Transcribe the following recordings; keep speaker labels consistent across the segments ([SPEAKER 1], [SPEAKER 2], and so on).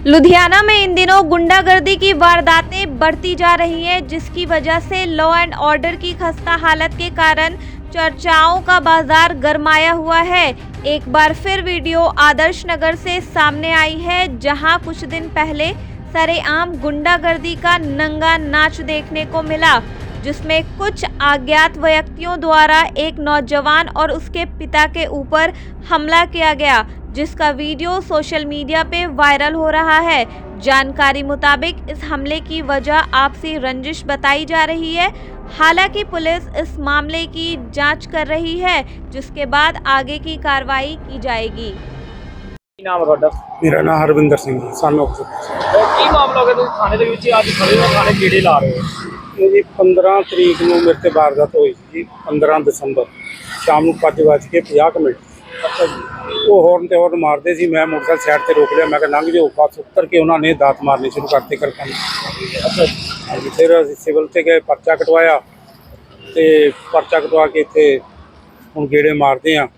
[SPEAKER 1] लुधियाना में इन दिनों गुंडागर्दी की वारदातें बढ़ती जा रही हैं, जिसकी वजह से लॉ एंड ऑर्डर की खस्ता हालत के कारण चर्चाओं का बाजार गरमाया हुआ है। एक बार फिर वीडियो आदर्श नगर से सामने आई है, जहां कुछ दिन पहले सरेआम गुंडागर्दी का नंगा नाच देखने को मिला, जिसमें कुछ अज्ञात व्यक्तियों द्वारा एक नौजवान और उसके पिता के ऊपर हमला किया गया, जिसका वीडियो सोशल मीडिया पे वायरल हो रहा है। जानकारी मुताबिक इस हमले की वजह आपसी रंजिश बताई जा रही है। हालांकि पुलिस इस मामले की जांच कर रही है, जिसके बाद आगे की कार्रवाई की जाएगी।
[SPEAKER 2] ਕੀ ਨਾਮ ਹੈ ਤੁਹਾਡਾ?
[SPEAKER 3] ਮੇਰਾ ਨਾਮ ਹਰਵਿੰਦਰ ਸਿੰਘ ਜੀ, ਸਾਨੂੰ
[SPEAKER 2] ਕੀ ਮਾਮਲਾ ਹੋ ਗਿਆ ਤੁਸੀਂ ਥਾਣੇ ਦੇ ਵਿੱਚ ਅੱਜ ਖੜੇ ਹੋ, ਥਾਣੇ ਗੇੜੇ ਲਾ ਰਹੇ ਹੋ?
[SPEAKER 3] ਇਹ ਜੀ 15 ਤਰੀਕ ਨੂੰ ਮੇਰੇ ਤੇ ਵਾਰਦਾਤ ਹੋਈ ਸੀ ਜੀ। 15 ਦਸੰਬਰ ਸ਼ਾਮ ਨੂੰ 5:50
[SPEAKER 2] ਅੱਛਾ ਜੀ।
[SPEAKER 3] ਉਹ ਹੌਰਨ ਤੇ ਹੌਰਨ ਮਾਰਦੇ ਸੀ। ਮੈਂ ਮੋਟਰਸਾਈਕਲ ਸਾਈਡ ਤੇ ਰੋਕ ਲਿਆ, ਮੈਂ ਕਿਹਾ ਲੰਘ ਜਾਓ। ਪਾਸ ਉੱਤਰ ਕੇ ਉਹਨਾਂ ਨੇ ਦਾਤ ਮਾਰਨੇ ਸ਼ੁਰੂ ਕਰਤੇ ਕਿਰਪਾਨ।
[SPEAKER 2] ਅੱਛਾ ਜੀ।
[SPEAKER 3] ਹਾਂਜੀ, ਫਿਰ ਅਸੀਂ ਸਿਵਲ ਤੇ ਗਏ, ਪਰਚਾ ਕਟਵਾਇਆ ਤੇ ਪਰਚਾ ਕਟਵਾ ਕੇ ਇੱਥੇ ਹੁਣ ਗੇੜੇ ਮਾਰਦੇ ਆ।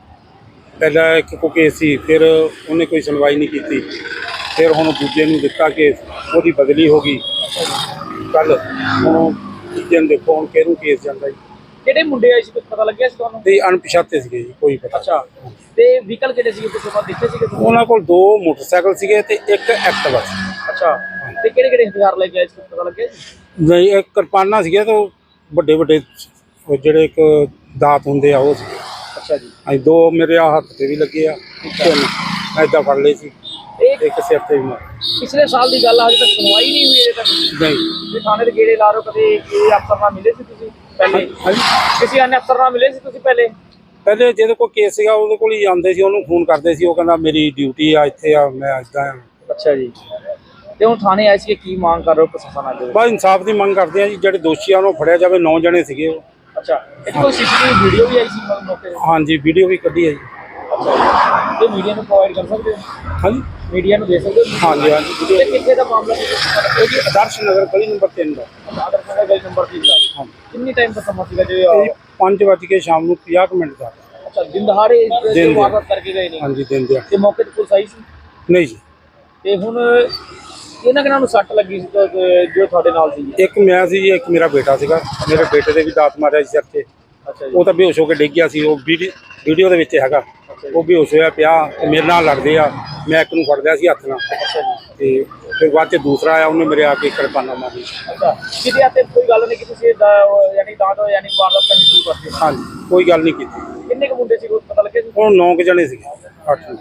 [SPEAKER 3] ਪਹਿਲਾਂ ਇੱਕ ਕੋ ਕੇਸ ਸੀ, ਫਿਰ ਉਹਨੇ ਕੋਈ ਸੁਣਵਾਈ ਨਹੀਂ ਕੀਤੀ। ਫਿਰ ਹੁਣ ਦੂਜੇ ਨੂੰ ਦਿੱਤਾ ਕੇਸ, ਉਹਦੀ ਬਦਲੀ ਹੋ ਗਈ ਕੱਲ। ਹੁਣ ਤੀਜੇ ਨੂੰ ਦੇਖੋ ਹੁਣ ਕਿਹਨੂੰ ਕੇਸ ਜਾਂਦਾ ਜੀ।
[SPEAKER 2] ਕਿਹੜੇ ਮੁੰਡੇ ਆਏ ਸੀ, ਕੁਝ ਪਤਾ ਲੱਗਿਆ ਸੀ ਤੁਹਾਨੂੰ?
[SPEAKER 3] ਤੇ ਅਣਪਛਾਤੇ ਸੀਗੇ ਜੀ, ਕੋਈ ਪਤਾ।
[SPEAKER 2] ਅੱਛਾ, ਤੇ ਵਹੀਕਲ ਕਿਹੜੇ ਸੀਗੇ ਤੁਸੀਂ ਬਾਅਦ ਦੇਖੇ ਸੀਗੇ ਤੁਸੀਂ?
[SPEAKER 3] ਉਹਨਾਂ ਕੋਲ 2 ਮੋਟਰਸਾਈਕਲ ਸੀਗੇ ਤੇ ਇੱਕ ਐਕਟਿਵਾ ਸੀ।
[SPEAKER 2] ਅੱਛਾ, ਤੇ ਕਿਹੜੇ ਕਿਹੜੇ ਹਥਿਆਰ ਲੈ ਕੇ ਆਏ ਸੀ, ਕੁਝ ਪਤਾ ਲੱਗਿਆ ਸੀ?
[SPEAKER 3] ਨਹੀਂ, ਇੱਕ ਕਿਰਪਾਨਾਂ ਸੀਗੇ ਤੇ ਵੱਡੇ ਵੱਡੇ ਉਹ ਜਿਹੜੇ ਇੱਕ ਦਾਤ ਹੁੰਦੇ ਆ ਉਹ ਸੀ।
[SPEAKER 2] ਅੱਛਾ ਜੀ।
[SPEAKER 3] ਅਸੀਂ 2 ਮੇਰੇ ਆ ਹੱਥ ਤੇ ਵੀ ਲੱਗੇ ਆ, ਏਦਾਂ ਫੜ ਲਏ ਸੀ,
[SPEAKER 2] ਇਹ
[SPEAKER 3] ਇੱਕ ਸਿਰ ਤੇ ਵੀ ਮਾਰ।
[SPEAKER 2] ਪਿਛਲੇ ਸਾਲ ਦੀ ਗੱਲ ਆ, ਹਜੇ ਤੱਕ ਸੁਣਵਾਈ ਨਹੀਂ ਹੋਈ ਅਜੇ ਤੱਕ?
[SPEAKER 3] ਨਹੀਂ।
[SPEAKER 2] ਤੁਸੀਂ ਥਾਣੇ ਦੇ ਗੇੜੇ ਲਾ ਰਹੇ ਹੋ, ਕਦੇ ਕਿਸੇ ਅਫਸਰ ਨਾਲ ਮਿਲੇ ਸੀ ਤੁਸੀਂ ਪਹਿਲੇ?
[SPEAKER 3] ਹਾਂਜੀ,
[SPEAKER 2] ਕਿਸੇ अन्य ਅਫਸਰ ਨਾਲ ਮਿਲੇ ਸੀ ਤੁਸੀਂ ਪਹਿਲੇ?
[SPEAKER 3] ਪਹਿਲੇ ਜਿਹਦੇ ਕੋਲ ਕੇਸ ਸੀਗਾ ਉਹਦੇ ਕੋਲ ਹੀ ਜਾਂਦੇ ਸੀ, ਉਹਨੂੰ ਫੋਨ ਕਰਦੇ ਸੀ। ਉਹ ਕਹਿੰਦਾ ਮੇਰੀ ਡਿਊਟੀ ਆ ਇੱਥੇ ਆ, ਮੈਂ ਇੱਦਾਂ ਆ।
[SPEAKER 2] ਅੱਛਾ ਜੀ। ਤੇ ਹੁਣ ਥਾਣੇ ਆਏ ਸੀ, ਕੀ ਮੰਗ ਕਰ ਰਹੇ ਹੋ ਪ੍ਰਸ਼ਾਸਨ ਅੱਗੇ?
[SPEAKER 3] ਬਸ ਇਨਸਾਫ ਦੀ ਮੰਗ ਕਰਦੇ ਆ ਜੀ। ਜਿਹੜੇ ਦੋਸ਼ੀ ਆ ਉਹਨੂੰ ਫੜਿਆ ਜਾਵੇ। 9 ਜਣੇ ਸੀਗੇ ਉਹ।
[SPEAKER 2] ਅੱਛਾ, ਇਹ ਕੋਈ ਸੀਸੀਟੀਵੀ ਵੀਡੀਓ ਵੀ ਆਈ ਸੀ ਮੌਕੇ ਤੇ?
[SPEAKER 3] ਹਾਂਜੀ, ਵੀਡੀਓ ਵੀ ਕੱਢੀ ਹੈ ਜੀ।
[SPEAKER 2] ਤੇ ਮੀਡੀਆ ਨੂੰ ਪ੍ਰੋਵਾਈਡ ਕਰ ਸਕਦੇ ਹੋ?
[SPEAKER 3] ਹਾਂਜੀ
[SPEAKER 2] ਮੀਡੀਆ ਨੂੰ ਦੇ ਸਕਦੇ ਹੋ?
[SPEAKER 3] ਹਾਂਜੀ ਹਾਂਜੀ,
[SPEAKER 2] ਤੇ
[SPEAKER 3] ਵੀਡੀਓ
[SPEAKER 2] ਕਿੱਥੇ ਦਾ ਮਾਮਲਾ ਸੀ?
[SPEAKER 3] ਇਹ ਜੀ ਆਦਰਸ਼ ਨਗਰ ਗਲੀ ਨੰਬਰ 3 ਦਾ।
[SPEAKER 2] ਆਦਰ ਨਗਰ ਗਲੀ ਨੰਬਰ 3 ਦਾ।
[SPEAKER 3] ਹਾਂ,
[SPEAKER 2] ਕਿੰਨੀ ਟਾਈਮ ਦਾ ਸਮਾਂ ਸੀਗਾ ਜੋ
[SPEAKER 3] ਇਹ 5 ਵਜੇ ਕੇ ਸ਼ਾਮ ਨੂੰ 50 ਦਾ।
[SPEAKER 2] ਅੱਛਾ, ਦਿਨ ਦਹਾੜੇ
[SPEAKER 3] ਦਿਨ
[SPEAKER 2] ਵਾਰਦਾਤ ਕਰਕੇ ਗਏ ਨੇ?
[SPEAKER 3] ਹਾਂਜੀ, ਦਿਨ ਦਿਹਾੜੇ।
[SPEAKER 2] ਤੇ ਮੌਕੇ ਤੇ ਪੁਲਿਸ ਆਈ ਸੀ?
[SPEAKER 3] ਨਹੀਂ ਜੀ,
[SPEAKER 2] ਤੇ ਹੁਣ ਇਹਨਾਂ ਕਿਹਨਾਂ ਨੂੰ ਸੱਟ ਲੱਗੀ ਸੀ ਜੋ ਤੁਹਾਡੇ ਨਾਲ ਸੀ?
[SPEAKER 3] ਇੱਕ ਮੈਂ ਸੀ ਜੀ, ਇੱਕ ਮੇਰਾ ਬੇਟਾ ਸੀਗਾ। ਮੇਰੇ ਬੇਟੇ ਦੇ ਵੀ ਦਾਤ ਮਾਰਿਆ ਸੀ ਸਿਰ ਤੇ।
[SPEAKER 2] ਅੱਛਾ ਜੀ।
[SPEAKER 3] ਉਹ ਤਾਂ ਬੇਹੋਸ਼ ਹੋ ਕੇ ਡਿੱਗ ਗਿਆ ਸੀ। ਉਹ ਵੀਡੀਓ ਦੇ ਵਿੱਚ ਹੈਗਾ। ਉਹ ਬੇਹੋਸ਼ ਹੋਇਆ ਪਿਆ ਤੇ ਮੇਰੇ ਨਾਲ ਲੜਦੇ ਆ। ਮੈਂ ਇੱਕ ਨੂੰ ਫੜ ਲਿਆ ਸੀ ਹੱਥ ਨਾਲ।
[SPEAKER 2] ਅੱਛਾ ਜੀ।
[SPEAKER 3] ਤੇ ਫਿਰ ਬਾਅਦ 'ਚ ਦੂਸਰਾ ਆਇਆ, ਉਹਨੇ ਮੇਰੇ ਆ ਕੇ ਕਿਰਪਾਨਾਂ ਮਾਰੀ।
[SPEAKER 2] ਅੱਛਾ, ਕਿਤੇ ਆਤੇ ਕੋਈ ਗੱਲ ਨਹੀਂ ਕਿ ਤੁਸੀਂ ਯਾਨੀ ਦਾਂਤ ਯਾਨੀ ਵਾਰਦਾਤ ਕਰਨੀ ਸ਼ੁਰੂ ਕਰਤੀ?
[SPEAKER 3] ਹਾਂਜੀ, ਕੋਈ ਗੱਲ ਨਹੀਂ ਕੀਤੀ।
[SPEAKER 2] ਕਿੰਨੇ ਕੁ ਮੁੰਡੇ ਸੀ, ਕੁਛ ਪਤਾ ਲੱਗਿਆ ਸੀ?
[SPEAKER 3] ਹੁਣ 9 ਜਣੇ ਸੀਗੇ, 8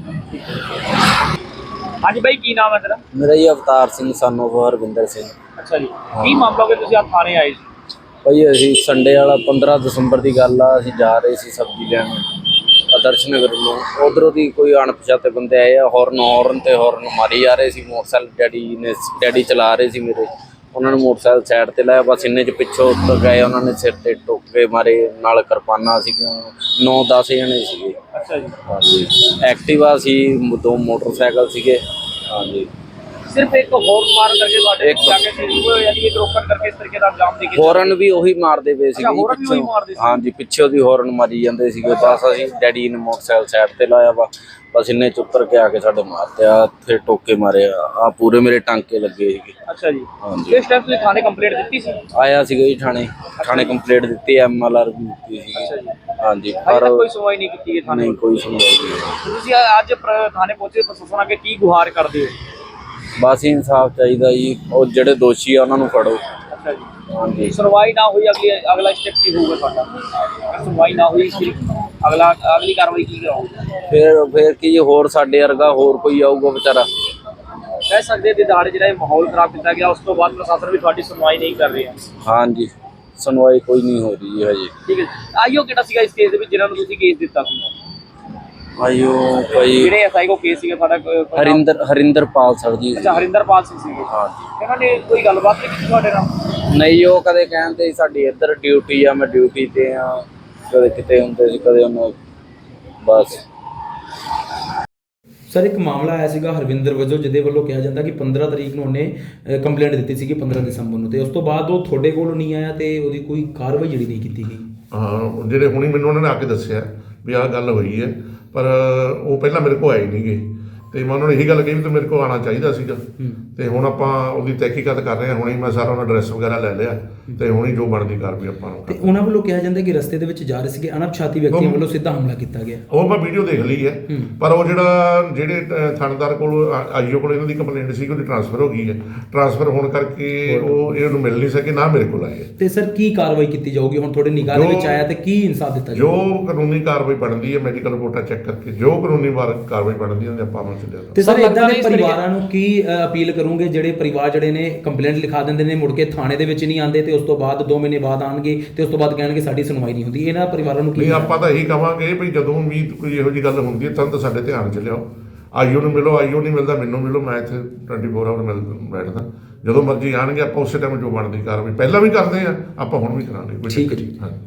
[SPEAKER 2] ਹਾਂਜੀ ਬਾਈ, ਕੀ ਨਾਮ ਹੈ ਤੇਰਾ?
[SPEAKER 4] ਮੇਰਾ ਜੀ ਅਵਤਾਰ ਸਿੰਘ ਸਾਨੂੰ ਹਰਵਿੰਦਰ ਸਿੰਘ।
[SPEAKER 2] ਅੱਛਾ ਜੀ। ਕੀ ਮਾਮਲਾ ਹੋਇਆ ਤੁਸੀਂ ਆ ਥਾਣੇ ਆਏ ਸੀ?
[SPEAKER 4] ਭਾਈ ਅਸੀਂ ਸੰਡੇ ਵਾਲਾ 15 ਦਸੰਬਰ ਦੀ ਗੱਲ ਆ, ਅਸੀਂ ਜਾ ਰਹੇ ਸੀ ਸਬਜ਼ੀ ਲੈਣ ਆਦਰਸ਼ ਨਗਰ ਨੂੰ। ਉਧਰੋਂ ਦੀ ਕੋਈ ਅਣਪਛਾਤੇ ਬੰਦੇ ਆਏ ਆ, ਹੌਰਨ ਤੇ ਹੌਰਨ ਮਾਰੀ ਜਾ ਰਹੇ ਸੀ। ਮੋਟਰਸਾਈਕਲ ਡੈਡੀ ਚਲਾ ਰਹੇ ਸੀ ਮੇਰੇ। ਉਹਨਾਂ ਨੇ ਮੋਟਰਸਾਈਕਲ ਸਾਈਡ ਤੇ ਲਾਇਆ, ਬਸ ਇੰਨੇ 'ਚ ਪਿੱਛੋਂ ਉੱਤਰ ਗਏ। ਉਹਨਾਂ ਨੇ ਸਿਰ ਤੇ ਟੋਕੇ ਮਾਰੇ, ਨਾਲ ਕਿਰਪਾਨਾਂ ਸੀਗੀਆਂ। 9-10 ਜਣੇ ਸੀਗੇ।
[SPEAKER 2] ਅੱਛਾ ਜੀ।
[SPEAKER 4] ਹਾਂਜੀ, ਐਕਟਿਵਾ ਸੀ, 2 ਮੋਟਰਸਾਈਕਲ ਸੀਗੇ। ਹਾਂਜੀ,
[SPEAKER 2] ਸਿਰਫ ਇੱਕ ਹੋਰ ਮਾਰਨ ਕਰਕੇ ਤੁਹਾਡੇ ਜਾ ਕੇ ਸੀ ਯਾਨੀ ਇਹ ਰੋਕਣ ਕਰਕੇ ਇਸ ਤਰੀਕੇ ਦਾ ਇਲਜ਼ਾਮ ਦੇ ਕੇ?
[SPEAKER 4] ਹੌਰਨ ਵੀ ਉਹੀ ਮਾਰਦੇ ਪਏ ਸੀਗੇ
[SPEAKER 2] ਹੌਰਨ ਵੀ ਉਹੀ ਮਾਰਦੇ ਸੀ?
[SPEAKER 4] ਹਾਂਜੀ, ਪਿੱਛੋਂ ਦੀ ਹੌਰਨ ਮਾਰੀ ਜਾਂਦੇ ਸੀਗੇ। ਬਸ ਅਸੀਂ ਡੈਡੀ ਨੇ ਮੋਟਰਸਾਈਕਲ ਸਾਈਡ ਤੇ ਲਾਇਆ ਵਾ, ਬਸ ਇੰਨੇ 'ਚ ਉੱਤਰ ਕੇ ਆ ਕੇ ਸਾਡੇ ਮਾਰਤੇ ਆ, ਫਿਰ ਟੋਕੇ ਮਾਰੇ ਆ। ਪੂਰੇ ਮੇਰੇ ਟਾਂਕੇ ਲੱਗੇ ਸੀਗੇ।
[SPEAKER 2] ਅੱਛਾ ਜੀ।
[SPEAKER 4] ਹਾਂਜੀ,
[SPEAKER 2] ਇਸ ਟਾਈਮ ਤੁਸੀਂ ਥਾਣੇ ਕੰਪਲੇਂਟ ਦਿੱਤੀ ਸੀ?
[SPEAKER 4] ਆਇਆ ਸੀਗਾ ਜੀ ਥਾਣੇ ਕੰਪਲੇਂਟ ਦਿੱਤੀ, MLR ਵੀ ਦਿੱਤੀ ਸੀਗੀ। ਹਾਂਜੀ,
[SPEAKER 2] ਹਜੇ
[SPEAKER 4] ਪਰ
[SPEAKER 2] ਤੱਕ ਕੋਈ ਸੁਣਵਾਈ ਨਹੀਂ ਕੀਤੀ ਗਈ ਥਾਣੇ?
[SPEAKER 4] ਨਹੀਂ, ਕੋਈ ਸੁਣਵਾਈ ਨਹੀਂ।
[SPEAKER 2] ਤੁਸੀਂ ਅੱਜ ਥਾਣੇ ਪਹੁੰਚੇ, ਪ੍ਰਸ਼ਾਸਨ ਅੱਗੇ ਕੀ ਗੁਹਾਰ ਕਰਦੇ ਹੋ?
[SPEAKER 4] ਬਸ ਇਨਸਾਫ ਚਾਹੀਦਾ ਜੀ। ਉਹ ਜਿਹੜੇ ਦੋਸ਼ੀ ਆ ਉਹਨਾਂ ਨੂੰ ਫੜੋ।
[SPEAKER 2] ਅੱਛਾ ਜੀ।
[SPEAKER 4] ਹਾਂਜੀ,
[SPEAKER 2] ਸੁਣਵਾਈ ਨਾ ਹੋਈ, ਅਗਲਾ ਸਟੈਪ ਕੀ ਹੋਊਗਾ ਤੁਹਾਡਾ? ਅਗਰ ਸੁਣਵਾਈ ਨਾ ਹੋਈ ਫਿਰ ਅਗਲੀ ਕਾਰਵਾਈ ਕੀ ਕਰਾਓਗੇ?
[SPEAKER 4] ਫਿਰ ਕੀ ਹੋਰ ਸਾਡੇ ਵਰਗਾ ਹੋਰ ਕੋਈ ਆਊਗਾ ਵਿਚਾਰਾ।
[SPEAKER 2] ਕਹਿ ਸਕਦੇ ਦੇ ਦਾੜੇ ਜਿਹੜਾ ਇਹ ਮਾਹੌਲ ਖਰਾਬ ਕੀਤਾ ਗਿਆ, ਉਸ ਤੋਂ ਬਾਅਦ ਪ੍ਰਸ਼ਾਸਨ ਵੀ ਤੁਹਾਡੀ ਸੁਣਵਾਈ ਨਹੀਂ ਕਰ ਰਿਹਾ?
[SPEAKER 4] ਹਾਂਜੀ, ਸੁਣਵਾਈ ਕੋਈ ਨਹੀਂ ਹੋ ਰਹੀ ਹੈ ਹਜੇ।
[SPEAKER 2] ਠੀਕ ਹੈ। ਆਈਓ ਕਿਹੜਾ ਸੀਗਾ ਇਸ ਕੇਸ ਦੇ ਵਿੱਚ ਜਿਹਨਾਂ ਨੂੰ ਤੁਸੀਂ ਕੇਸ ਦਿੱਤਾ ਸੀ?
[SPEAKER 4] ਆਇਓ ਭਾਈ
[SPEAKER 2] ਜਿਹੜੇ ਐਸਆਈ ਕੋ ਕੇਸ ਸੀਗਾ ਤੁਹਾਡਾ?
[SPEAKER 4] ਹਰਿੰਦਰਪਾਲ ਸਰ ਜੀ।
[SPEAKER 2] ਅੱਛਾ, ਹਰਿੰਦਰਪਾਲ ਸਿੰਘ ਸੀਗੇ।
[SPEAKER 4] ਹਾਂਜੀ।
[SPEAKER 2] ਇਹਨਾਂ ਨੇ ਕੋਈ ਗੱਲਬਾਤ ਨਹੀਂ ਕੀਤੀ ਤੁਹਾਡੇ ਨਾਲ?
[SPEAKER 4] ਨਹੀਂ, ਉਹ ਕਦੇ ਕਹਿੰਦੇ ਸਾਡੀ ਇੱਧਰ ਡਿਊਟੀ ਆ, ਮੈਂ ਡਿਊਟੀ ਤੇ ਆ। ਕਦੇ ਕਿਤੇ ਹੁੰਦੇ ਸੀ, ਕਦੇ ਉਹਨਾਂ ਬਸ।
[SPEAKER 5] ਸਰ, ਇੱਕ ਮਾਮਲਾ ਆਇਆ ਸੀਗਾ ਹਰਵਿੰਦਰ ਵਜੋਂ, ਜਿਹਦੇ ਵੱਲੋਂ ਕਿਹਾ ਜਾਂਦਾ ਕਿ 15 ਤਰੀਕ ਨੂੰ ਉਹਨੇ ਕੰਪਲੇਂਟ ਦਿੱਤੀ ਸੀਗੀ 15 ਦਸੰਬਰ ਨੂੰ, ਤੇ ਉਸ ਤੋਂ ਬਾਅਦ ਉਹ ਤੁਹਾਡੇ ਕੋਲ ਨਹੀਂ ਆਇਆ ਤੇ ਉਹਦੀ ਕੋਈ ਕਾਰਵਾਈ ਜਿਹੜੀ ਨਹੀਂ ਕੀਤੀ ਗਈ।
[SPEAKER 6] ਹਾਂ, ਜਿਹੜੇ ਹੁਣੀ ਮੈਨੂੰ ਉਹਨਾਂ ਨੇ ਆ ਕੇ ਦੱਸਿਆ ਵੀ ਆਹ ਗੱਲ ਹੋਈ ਹੈ, ਪਰ ਉਹ ਪਹਿਲਾਂ ਮੇਰੇ ਕੋਲ ਆਏ ਨਹੀਂ ਗਏ। ਤੇ ਮੈਂ ਉਹਨਾਂ ਨੂੰ ਇਹੀ ਗੱਲ ਕਹੀ ਵੀ ਤੂੰ ਮੇਰੇ ਕੋਲ ਆਉਣਾ ਚਾਹੀਦਾ ਸੀਗਾ ਤੇ ਹੁਣ ਆਪਾਂ ਉਹਦੀ ਤਹਿਕੀਕਾਤ ਕਰ ਰਹੇ ਹਾਂ। ਹੁਣੇ ਮੈਂ ਸਾਰਾ ਉਹਨਾਂ ਐਡਰੈਸ ਵਗੈਰਾ ਲੈ ਲਿਆ ਤੇ ਹੁਣੇ ਜੋ ਬਣਦੀ ਕਾਰਵਾਈ ਆਪਾਂ ਨੂੰ
[SPEAKER 5] ਤੇ ਉਹਨਾਂ ਵੱਲੋਂ ਕਿਹਾ ਜਾਂਦਾ ਕਿ ਰਸਤੇ ਦੇ ਵਿੱਚ ਜਾ ਰਹੇ ਸੀਗੇ ਅਣਪਛਾਤੀ ਵਿਅਕਤੀਆਂ ਵੱਲੋਂ ਸਿੱਧਾ ਹਮਲਾ ਕੀਤਾ ਗਿਆ।
[SPEAKER 6] ਉਹ ਮੈਂ ਵੀਡੀਓ ਦੇਖ ਲਈ ਹੈ ਪਰ ਉਹ ਜਿਹੜੇ ਥਾਣੇਦਾਰ ਕੋਲ ਆਈਓ ਕੋਲ ਇਹਨਾਂ ਦੀ ਕੰਪਲੇਂਟ ਸੀ ਉਹਦੀ ਟ੍ਰਾਂਸਫਰ ਹੋ ਗਈ ਹੈ। ਟ੍ਰਾਂਸਫਰ ਹੋਣ ਕਰਕੇ ਉਹ ਇਹਨੂੰ ਮਿਲ ਨਹੀਂ ਸਕੇ ਨਾ ਮੇਰੇ ਕੋਲ ਆਏ।
[SPEAKER 5] ਤੇ ਸਰ ਕੀ ਕਾਰਵਾਈ ਕੀਤੀ ਜਾਊਗੀ ਹੁਣ ਤੁਹਾਡੇ ਨਿਗਾਹ ਦੇ ਵਿੱਚ ਆਇਆ ਤੇ ਕੀ ਇਨਸਾਫ ਦਿੱਤਾ
[SPEAKER 6] ਜੋ
[SPEAKER 5] ਜਾਊਗਾ?
[SPEAKER 6] ਕਾਨੂੰਨੀ ਕਾਰਵਾਈ ਬਣਦੀ ਹੈ ਮੈਡੀਕਲ ਰਿਪੋਰਟਾਂ ਚੈੱਕ ਕਰਕੇ ਜੋ ਕਾਨੂੰਨੀ ਕਾਰਵਾਈ ਬਣਦੀ ਹੈ ਉਹਦੇ ਆਪਾਂ ਅਮਲ ਚ ਲਿਆਵਾਂਗੇ।
[SPEAKER 5] ਤੇ ਸਰ
[SPEAKER 2] ਸਰ,
[SPEAKER 5] ਇਦਾਂ ਦੇ
[SPEAKER 2] ਇਸ ਤਰੀਕੇ-
[SPEAKER 5] ਪਰਿਵਾਰਾਂ ਨੂੰ ਕੀ ਅਪੀਲ ਕਰੋਗੇ ਜਿਹੜੇ ਪਰਿਵਾਰ ਜਿਹੜੇ ਨੇ ਕੰਪਲੇਂਟ ਲਿਖਾ ਦਿੰਦੇ ਨੇ ਮੁੜ ਕੇ ਥਾਣੇ ਦੇ ਵਿੱਚ ਨਹੀਂ ਆਉਂਦੇ ਤੇ ਉਸ ਤੋਂ ਬਾਅਦ 2 ਮਹੀਨੇ ਬਾਅਦ ਆਣਗੇ ਤੇ ਉਸ ਤੋਂ ਬਾਅਦ ਕਹਿਣਗੇ ਸਾਡੀ ਸੁਣਵਾਈ ਨਹੀਂ ਹੁੰਦੀ? ਇਹਨਾਂ ਪਰਿਵਾਰਾਂ ਨੂੰ ਕੀ
[SPEAKER 6] ਨਹੀਂ ਆਪਾਂ ਤਾਂ ਇਹੀ ਕਵਾਂਗੇ ਵੀ ਜਦੋਂ ਵੀ ਕੋਈ ਇਹੋ ਜਿਹੀ ਗੱਲ ਹੁੰਦੀ ਹੈ ਤਾਂ ਸਾਡੇ ਧਿਆਨ ਚ ਲਿਆਓ। ਆਈਓ ਨੂੰ ਮਿਲੋ, ਆਈਓ ਨਹੀਂ ਮਿਲਦਾ ਮੈਨੂੰ ਮਿਲੋ, ਮੈਂ ਇੱਥੇ 24 ਆਵਰ ਬੈਠਦਾ। ਜਦੋਂ ਮਰਜ਼ੀ ਆਣਗੇ ਆਪਾਂ ਉਸੇ ਟਾਈਮ ਜੋ ਬਣਦੀ ਕਾਰਵਾਈ ਪਹਿਲਾਂ ਵੀ ਕਰਦੇ ਆ ਆਪਾਂ ਹੁਣ ਵੀ ਕਰਾਂਗੇ।
[SPEAKER 5] ਠੀਕ ਹੈ ਜੀ।
[SPEAKER 6] ਹਾਂਜੀ।